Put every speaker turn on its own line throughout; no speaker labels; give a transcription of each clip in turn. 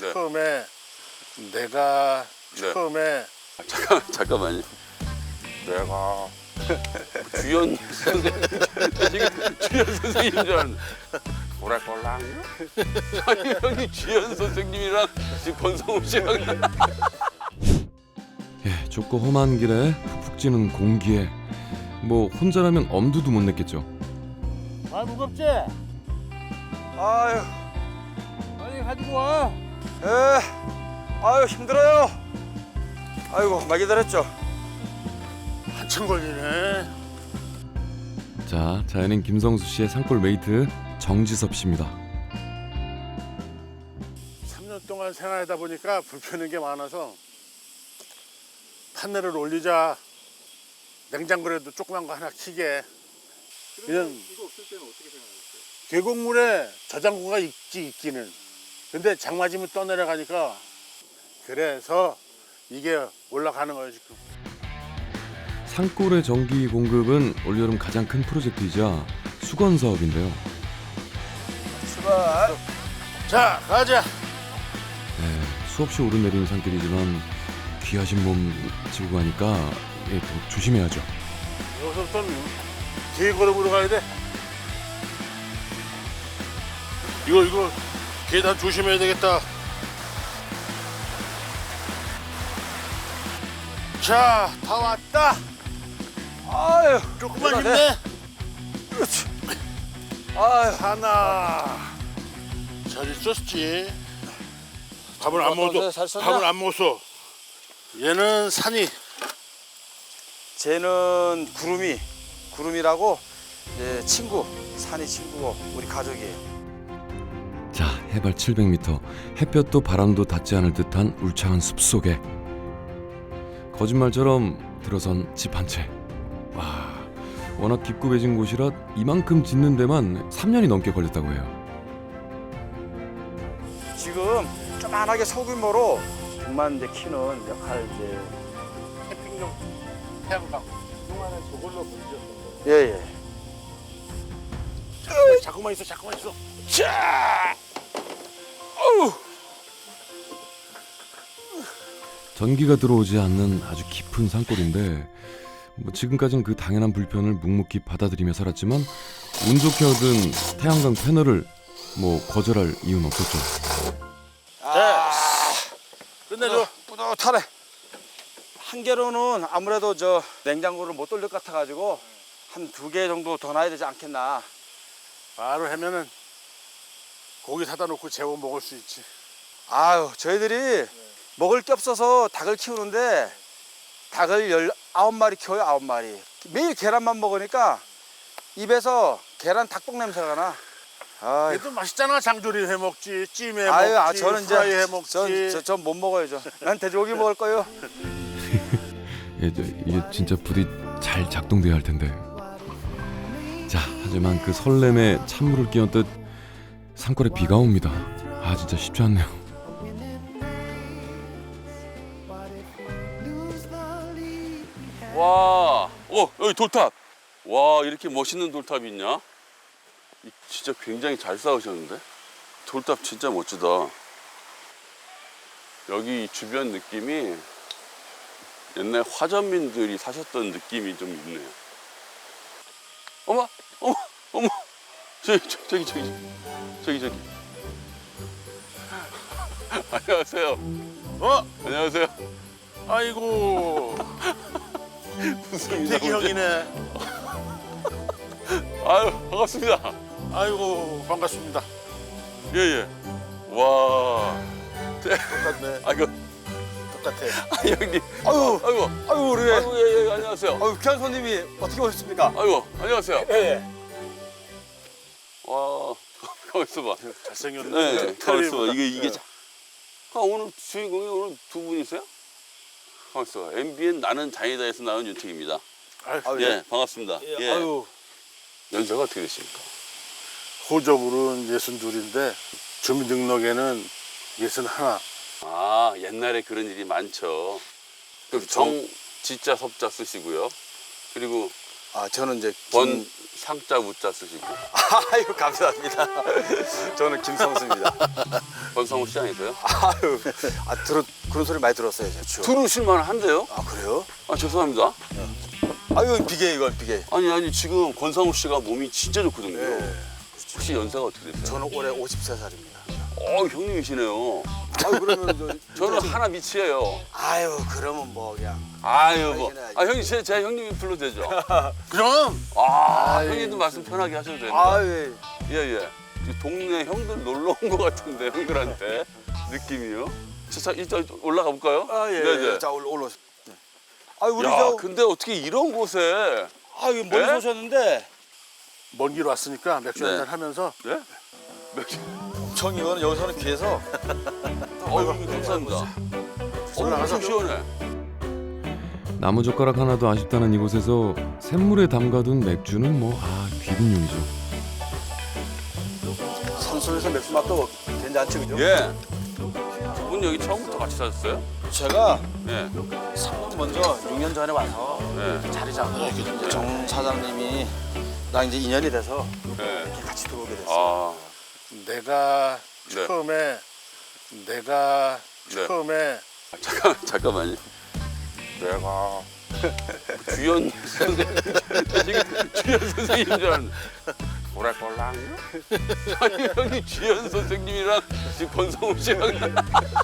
처음에 내가
네.
처음에
잠깐만요. 내가 주연 선생님 지금 주연 선생님인 줄 알았는데 오래걸랑요? 아니 형이 주연 선생님이랑 지금 권성우 씨랑
예, 좁고 험한 길에 푹푹 찌는 공기에 뭐 혼자라면 엄두도 못 냈겠죠.
아 무겁지?
아유,
빨리 가지고 와.
아유 힘들어요. 아이고 많이 기다렸죠.
한참 걸리네.
자, 자연인 김성수 씨의 산골 메이트 정지섭 씨입니다.
3년 동안 생활하다 보니까 불편한 게 많아서 판넬을 올리자. 냉장고에도 조그만 거 하나 키게. 그냥
이거 없을 때는 어떻게 생각하셨어요?
계곡물에 저장고가 있기는. 근데 장 맞으면 떠내려가니까 그래서 이게 올라가는 거예요 지금.
산골의 전기 공급은 올여름 가장 큰 프로젝트이자 수건 사업인데요.
출발.
자 가자.
네, 수없이 오르내리는 산길이지만 귀하신 몸 지고 가니까 예, 더 조심해야죠.
여기서부터는 계곡으로 가야 돼. 이거 계단 조심해야 되겠다. 자, 다 왔다.
아유,
조금만
그러네.
힘내.
그렇지. 아유,
하나. 잘 있었지. 밥을 안 먹었어.
잘 썼냐?
밥을 안 먹었어. 얘는 산이.
쟤는 구름이라고 이제 친구, 산이 친구고 우리 가족이에요.
자, 해발 700m, 햇볕도 바람도 닿지 않을 듯한 울창한 숲속에 거짓말처럼 들어선 집 한 채. 와, 워낙 깊고 배진 곳이라 이만큼 짓는 데만 3년이 넘게 걸렸다고 해요.
지금 조만하게 소규모로 벽만 이제 키는 역할 이제
캠핑용 태양광. 그동안에 저걸로 문제였던 거.
예예.
자꾸만 있어. 자!
전기가 들어오지 않는 아주 깊은 산골인데 뭐 지금까지는 그 당연한 불편을 묵묵히 받아들이며 살았지만 운 좋게 얻은 태양광 패널을 뭐 거절할 이유는 없었죠.
끝내줘.
뿌듯하네. 한 개로는 아무래도 저 냉장고를 못 돌릴 것 같아가지고 한 2개 정도 더 놔야 되지 않겠나.
바로 하면은 고기 사다 놓고 재워 먹을 수 있지.
아유, 저희들이 먹을 게 없어서 닭을 키우는데 닭을 19마리 키워요, 9마리. 매일 계란만 먹으니까 입에서 계란 닭똥 냄새가 나. 아유,
얘도 맛있잖아. 장조림 해 먹지, 찜 해
아유,
먹지,
저는
프라이
이제
해 먹지.
전 못 먹어요, 저. 난 돼지고기 먹을 거예요.
예, 이게 진짜 부디 잘 작동돼야 할 텐데. 자, 하지만 그 설렘에 찬물을 끼얹듯 산골에 비가 옵니다. 아, 진짜 쉽지 않네요.
와, 여기 돌탑. 와, 이렇게 멋있는 돌탑이 있냐? 진짜 굉장히 잘 쌓으셨는데? 돌탑 진짜 멋지다. 여기 주변 느낌이 옛날 화전민들이 사셨던 느낌이 좀 있네요. 어머. 저기. 안녕하세요. 안녕하세요.
아이고,
무슨
김태기
인사인데?
형이네.
아유, 반갑습니다.
아이고, 반갑습니다.
예. 와.
똑같네.
아이고,
똑같아.
형님.
아유,
아이고.
아유, 우리
예, 안녕하세요.
아유, 귀한 손님이 어떻게 오셨습니까?
아이고, 안녕하세요.
예.
와, 가만 있어봐.
잘생겼네.
네, 가만 있어봐. 이게.
네.
오늘 주인공이 오늘 두 분이세요? 가만 있어봐. MBN 나는 장이다에서 나온 윤택입니다.
아유,
예, 반갑습니다. 예.
아유,
연세가 어떻게 되십니까?
호적으로는 62인데 주민등록에는 61.
아, 옛날에 그런 일이 많죠. 그 정, 지자, 섭자 쓰시고요. 그리고
아 저는 이제
번 상자 우자 쓰시고.
아유 감사합니다. 저는 김성수입니다.
권성우 씨 아니세요?
아유 그런 소리 많이 들었어요. 저.
들으실만 한데요?
아 그래요?
아 죄송합니다.
아유 비계 이건 비계.
아니 지금 권성우 씨가 몸이 진짜 좋거든요.
네.
혹시 연세가 어떻게 되세요?
저는 올해 53살입니다.
형님이시네요.
아유 그러면
저는 하나 밑이에요.
아유 그러면 뭐 그냥
아유 뭐.
알긴
아 형님 제 형님이 불러도 되죠?
그럼
형님도 말씀 편하게 하셔도 됩니다.
아유
예. 동네 형들 놀러 온 것 같은데 형들한테 느낌이요. 자 이따 올라가 볼까요?
아예
네네.
자 올라오세요. 네. 아유 우리
야
저
근데 어떻게 이런 곳에
아유 멀리
네?
오셨는데
먼 길 왔으니까 맥주
네.
한잔 하면서
네?
엄청 이거는 여기서는 귀해서
어유 감사합니다. 엄청 시원해.
나무젓가락 하나도 아쉽다는 이곳에서 샘물에 담가둔 맥주는 귀빈용이죠.
산속에서 맥주 맛도 괜찮지 그죠?
예. 두 분 여기 처음부터 같이 사셨어요?
제가
예.
먼저 6년 전에 와서
예.
자리 잡고 이제 정 사장님이 나 이제 인연이 돼서
예.
이렇게 같이 들어오게 됐어요.
아.
내가
네.
처음에
잠깐만요. 내가 주연 선생님 지금 주연 선생님인 줄 알았는데 오래걸랑요? 아니 형님 주연 선생님이랑 지금 권성우 씨랑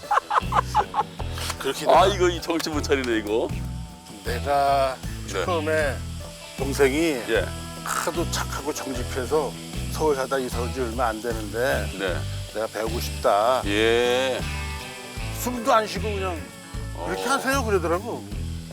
그렇게
이거 이 정신 못 차리네 이거.
내가
네.
처음에 동생이
예.
하도 착하고 정직해서 서울 사다 이사 온 지 얼마 안 되는데
네.
내가 배우고 싶다.
예.
숨도 안 쉬고 그냥 그렇게 하세요 그러더라고.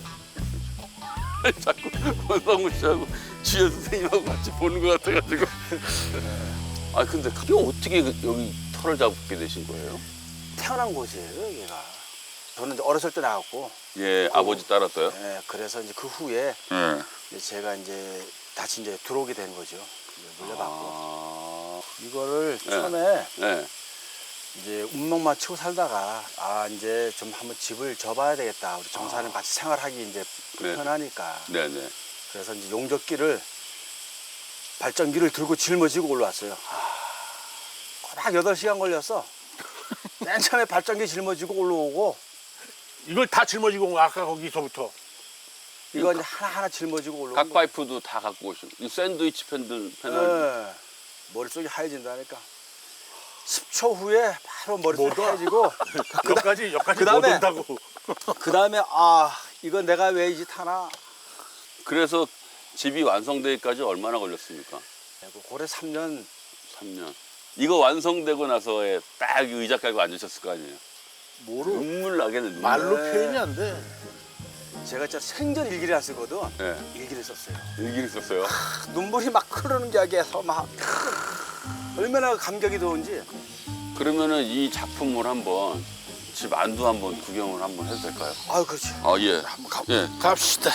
자꾸 권성우 씨하고 주연 선생님하고 같이 보는 것 같아가지고. 아 근데 그게 어떻게 여기 터를 잡게 되신 거예요?
태어난 곳이에요 여기가. 저는 이제 어렸을 때 나왔고
예, 아버지 따랐어요?
예, 그래서 이제 그 후에
예.
이제 제가 이제 다시 이제 들어오게 된 거죠. 이제 물려받고 이거를
네.
처음에
네.
이제 운명만 치고 살다가 이제 좀 한번 집을 접어야 되겠다. 우리 정사는 같이 생활하기 이제 불편하니까.
네네.
그래서 이제 용접기를 발전기를 들고 짊어지고 올라왔어요. 꼬박 8시간 걸렸어. 맨 처음에 발전기 짊어지고 올라오고
이걸 다 짊어지고 온 거야, 아까 거기서부터.
이거 이제 하나하나 짊어지고 올라오고.
각 파이프도 다 갖고 오시고 이 샌드위치 패널.
네. 머릿속이 하얘진다니까. 10초 후에 바로 머릿속이
못 와.
하얘지고
여기까지 못
그다음에
온다고.
그 다음에 이거 내가 왜 이 짓 하나.
그래서 집이 완성되기까지 얼마나 걸렸습니까?
고래 3년.
3년. 이거 완성되고 나서에 딱 의자 깔고 앉으셨을 거 아니에요?
뭐로
눈물 나겠네. 눈물.
말로
네.
표현이 안 돼.
제가 진짜 생전 일기를 안 쓰거든.
네.
일기를 썼어요.
일기를 썼어요.
눈물이 막 흐르는 격에서 막 얼마나 감격이 더운지.
그러면은 이 작품을 한번 집 안도 한번 구경을 한번 해도 될까요?
그렇죠.
예.
한번
예.
갑시다.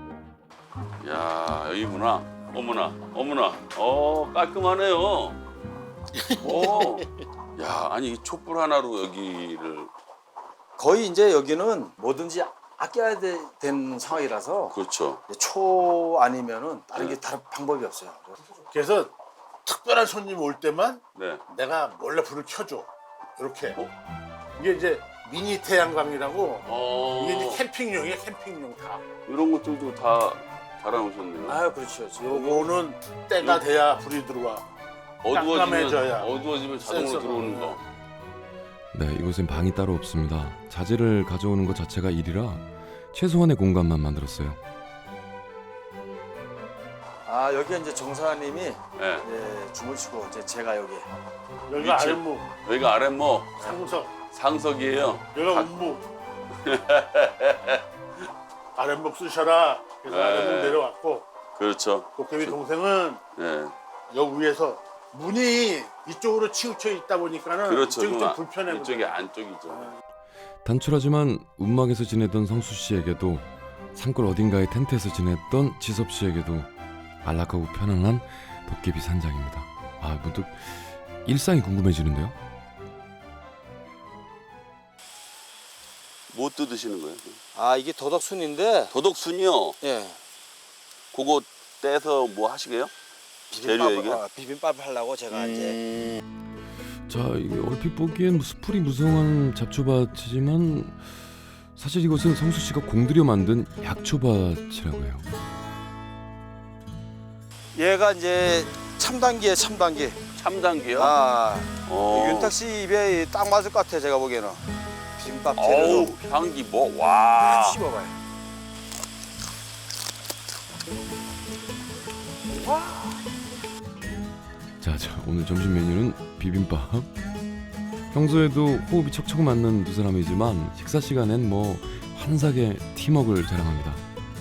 야 여기구나. 어머나. 깔끔하네요. 야 아니 이 촛불 하나로 여기를.
거의 이제 여기는 뭐든지 아껴야 된 상황이라서
그렇죠.
초 아니면은 다른
네.
게 다른 방법이 없어요.
그래서 특별한 손님 올 때만
네.
내가 몰래 불을 켜줘. 이렇게. 이게 이제 미니 태양광이라고 이게 이제 캠핑용이야, 캠핑용 다.
이런 것들도 다 달아놓으셨네요.
그렇죠.
요거는 때가 돼야 불이 들어와. 깜깜해져야.
어두워지면 자동으로
센서가.
들어오는 거.
네, 이곳엔 방이 따로 없습니다. 자재를 가져오는 것 자체가 일이라 최소한의 공간만 만들었어요.
여기 이제 정사님이
네.
줌을 치고 이제 제가 여기.
여기가
위치.
아랫목,
여기가 아랫모
상석이에요. 여기가
각-
운목. 아랫목 쓰셔라. 그래서
네.
아랫목 내려왔고
그렇죠.
도깨비 동생은
네.
여기 위에서 문이 이쪽으로 치우쳐 있다 보니까는
그렇죠.
이쪽이 좀
형,
불편해.
이쪽이 안쪽이죠.
단출하지만 운막에서 지내던 성수 씨에게도 산골 어딘가의 텐트에서 지냈던 지섭 씨에게도 안락하고 편안한 도깨비 산장입니다. 문득 일상이 궁금해지는데요.
뭐 뜯으시는 거예요?
이게 도덕순인데.
도덕순이요.
예.
그거 떼서 뭐 하시게요? 재료 얘기야?
비빔밥 하려고 제가 이제
자, 이게 얼핏 보기엔 뭐 수풀이 무성한 잡초밭이지만 사실 이것은 성수 씨가 공들여 만든 약초밭이라고 해요.
얘가 이제 참단기에 참단기.
참단기요?
아,
어.
윤탁 씨 입에 딱 맞을 것 같아 제가 보기에는. 비빔밥
어우,
재료로
향기 뭐, 와.
씹어봐요.
자, 오늘 점심 메뉴는 비빔밥. 평소에도 호흡이 척척 맞는 두 사람이지만 식사 시간엔 뭐 환상의 팀워크를 자랑합니다.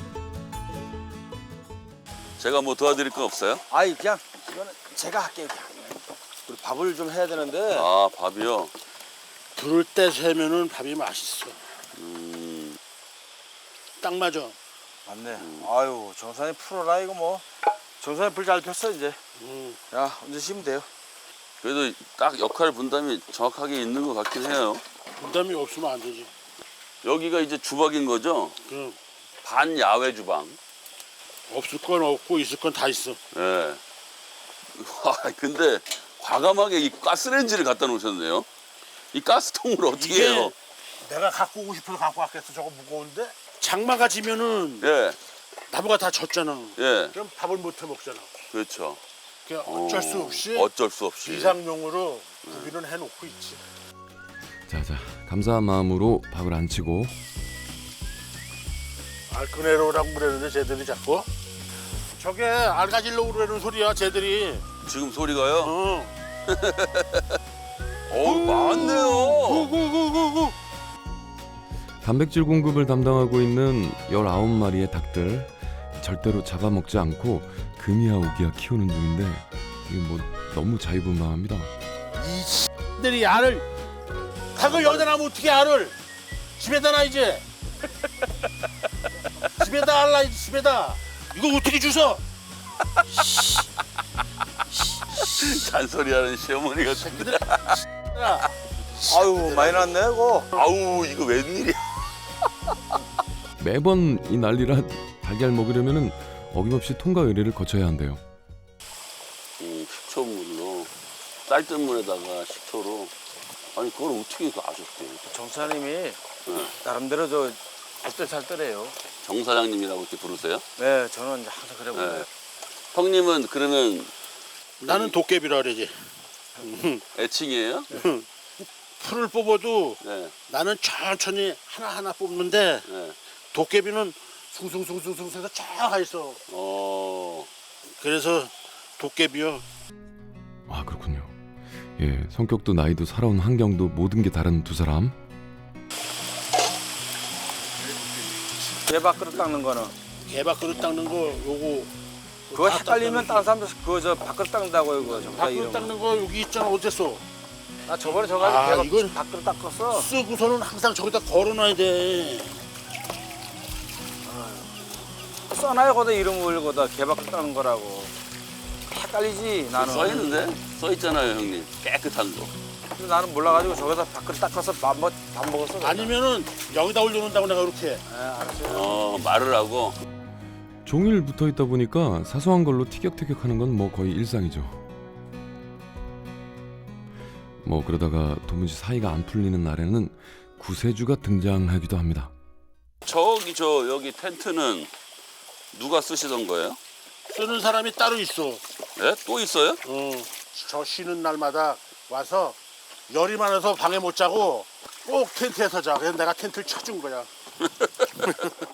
제가 뭐 도와드릴 건 없어요?
아이 그냥 이거는 제가 할게요 그냥. 우리 밥을 좀 해야 되는데.
아, 밥이요?
불을 때 세면은 밥이 맛있어.
음,
딱 맞아.
맞네. 아유 정산이 풀어라 이거 뭐. 정산이 불 잘 폈어 이제. 야 언제 쉬면 돼요.
그래도 딱 역할 분담이 정확하게 있는 것 같긴 해요.
부담이 없으면 안 되지.
여기가 이제 주방인 거죠?
그럼
반야외 주방.
없을 건 없고 있을 건 다 있어.
예. 와, 근데 과감하게 이 가스레인지를 갖다 놓으셨네요. 이 가스통을 어떻게
이게
해요?
내가 갖고 오고 싶어서 갖고 왔겠어. 저거 무거운데 장마가 지면은
예,
나무가 다 젖잖아.
예,
그럼 밥을 못 해 먹잖아.
그렇죠.
그냥 어쩔 수 없이
어쩔 수 없이.
비상용으로 구비는 해놓고 있지.
자, 감사한 마음으로 밥을 안 치고
알크네로라고 그러는데 쟤들이 자꾸 저게 알 가지려고 그러는 소리야 쟤들이.
지금 소리가요?
어.
많네요.
구구구구구.
단백질 공급을 담당하고 있는 19마리의 닭들 절대로 잡아먹지 않고 금이야 오기야 키우는 중인데 이게 뭐 너무 자유분방합니다.
이 들이 알을 닭을 여기다 놔면 어떻게 알을 집에다 놔 이제. 집에다 알라 이제 집에다. 이거 어떻게 주워?
잔소리하는 시어머니 같은데.
야,
아유 많이 났네 이거.
아우, 이거 웬일이야?
매번 이 난리라 달걀 먹으려면은 어김없이 통과 의뢰를 거쳐야 한대요.
식초물로 쌀뜨물에다가 식초로. 아니 그걸 어떻게 아셨대?
정사님이 나름대로 저 알뜰살뜰해요.
정 사장님이라고 이렇게 부르세요?
네 저는 이제 항상 그래 보여요.
네. 형님은 그러면
나는 도깨비라 그러지.
애칭이에요?
풀을 뽑아도
네,
나는 천천히 하나하나 뽑는데
네.
도깨비는 숭숭숭숭숭 해서 쫙 있어. 그래서 도깨비요.
아, 그렇군요. 예, 성격도 나이도 살아온 환경도 모든 게 다른 두 사람.
개밥 그릇 닦는 거는
개밥 그릇 닦는 거 요거
그거
다
헷갈리면
닦는
다른 사람들 그거 저 밥그릇 닦는다고 이거 정사
밥그릇
이름.
닦는 거 여기 있잖아. 어땠어?
나 저번에 저거
아,
개밥
이건-
밥그릇 닦았어.
쓰고서는 항상 저기다 걸어놔야 돼.
써놔요 거다 이름을 거다 개밥 그릇 닦는 거라고. 헷갈리지 나는.
써 있는데? 써 있잖아요, 형님. 깨끗한 거.
근데 나는 몰라가지고 저기다 밥그릇 닦아서 밥 먹었어. 내가.
아니면은 여기다 올려놓는다고 내가 이렇게.
네, 알았어요.
말을 하고.
종일 붙어 있다 보니까 사소한 걸로 티격태격하는 건 뭐 거의 일상이죠. 뭐 그러다가 도무지 사이가 안 풀리는 날에는 구세주가 등장하기도 합니다.
여기 텐트는 누가 쓰시던 거예요?
쓰는 사람이 따로 있어.
예? 또 있어요?
저 쉬는 날마다 와서 열이 많아서 방에 못 자고 꼭 텐트에서 자. 그래서 내가 텐트를 쳐준 거야.